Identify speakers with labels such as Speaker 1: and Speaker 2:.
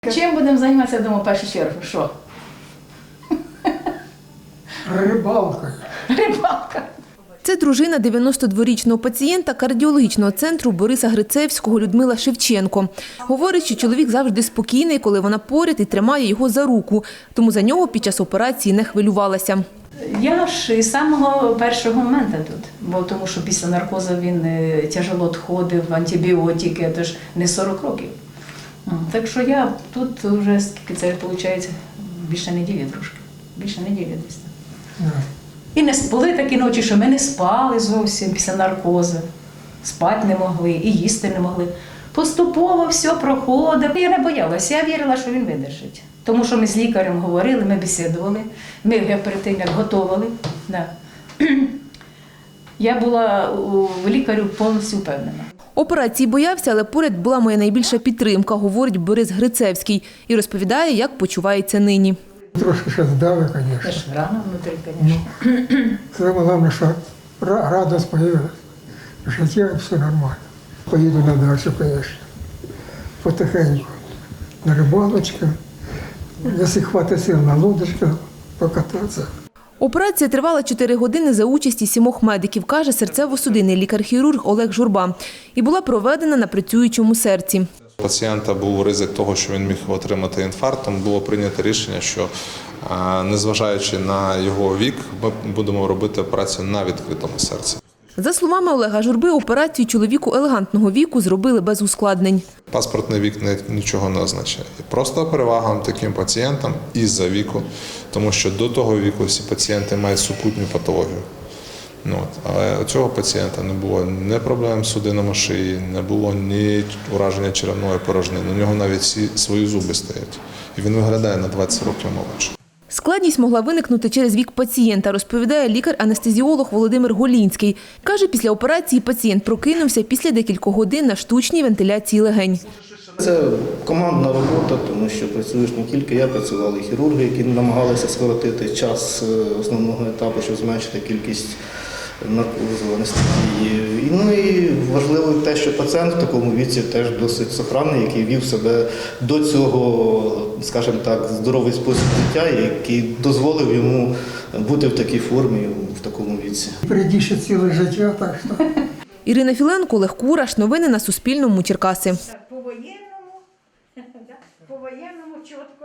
Speaker 1: Чим будемо займатися, я думаю, в першу чергу? Що?
Speaker 2: Рибалкою.
Speaker 1: Рибалка.
Speaker 3: Це дружина 92-річного пацієнта кардіологічного центру Бориса Грицевського Людмила Шевченко. Говорить, що чоловік завжди спокійний, коли вона поряд і тримає його за руку. Тому за нього під час операції не хвилювалася.
Speaker 1: Я ж із самого першого моменту тут, бо тому що після наркозу він тяжело відходив, антибіотики, це ж не 40 років. Так що я тут вже, скільки це виходить, більше неділі трошки, більше неділі десь. І не були такі ночі, що ми не спали зовсім після наркозу, спати не могли і їсти не могли. Поступово все проходило. Я не боялася, я вірила, що він видержить. Тому що ми з лікарем говорили, ми бесідували, ми перед тим, як готували. Да. Я була у лікарю повністю впевнена.
Speaker 3: Операції боявся, але поряд була моя найбільша підтримка, говорить Борис Грицевський. І розповідає, як почувається нині.
Speaker 2: Трошки ще здали,
Speaker 1: Це
Speaker 2: звісно.
Speaker 1: ж рано внутрі, звісно.
Speaker 2: Саме головне, що радість появилась. В житті все нормально. Поїду на дачу, звісно. Потихеньку. На рибалочку. Якщо хватить сил на лодочку, покататися.
Speaker 3: Операція тривала 4 години за участі 7 медиків, каже серцево-судинний лікар-хірург Олег Журба. І була проведена на працюючому серці.
Speaker 4: У пацієнта був ризик того, що він міг отримати інфаркт, тому було прийнято рішення, що незважаючи на його вік, ми будемо робити операцію на відкритому серці.
Speaker 3: За словами Олега Журби, операцію чоловіку елегантного віку зробили без ускладнень.
Speaker 4: Паспортний вік нічого не означає. Просто перевага таким пацієнтам із-за віку, тому що до того віку всі пацієнти мають супутню патологію. Але у цього пацієнта не було ні проблем з судинами шиї, не було ні ураження черевної порожнини. У нього навіть всі свої зуби стоять. І він виглядає на 20 років молодше.
Speaker 3: Складність могла виникнути через вік пацієнта, розповідає лікар-анестезіолог Володимир Голінський. Каже, після операції пацієнт прокинувся після декількох годин на штучній вентиляції легень.
Speaker 5: Це командна робота, тому що працюєш не тільки я, працювали хірурги, які намагалися скоротити час основного етапу, щоб зменшити кількість наркозу, анестезії. Ну і важливо те, що пацієнт в такому віці теж досить сохранний, який вів себе до цього, скажімо так, здоровий спосіб життя, який дозволив йому бути в такій формі, в такому віці.
Speaker 2: Впереді ще ціле життя, так що.
Speaker 3: Ірина Філенко, Олег Кураш. Новини на Суспільному. Черкаси.
Speaker 1: По-воєнному чітко.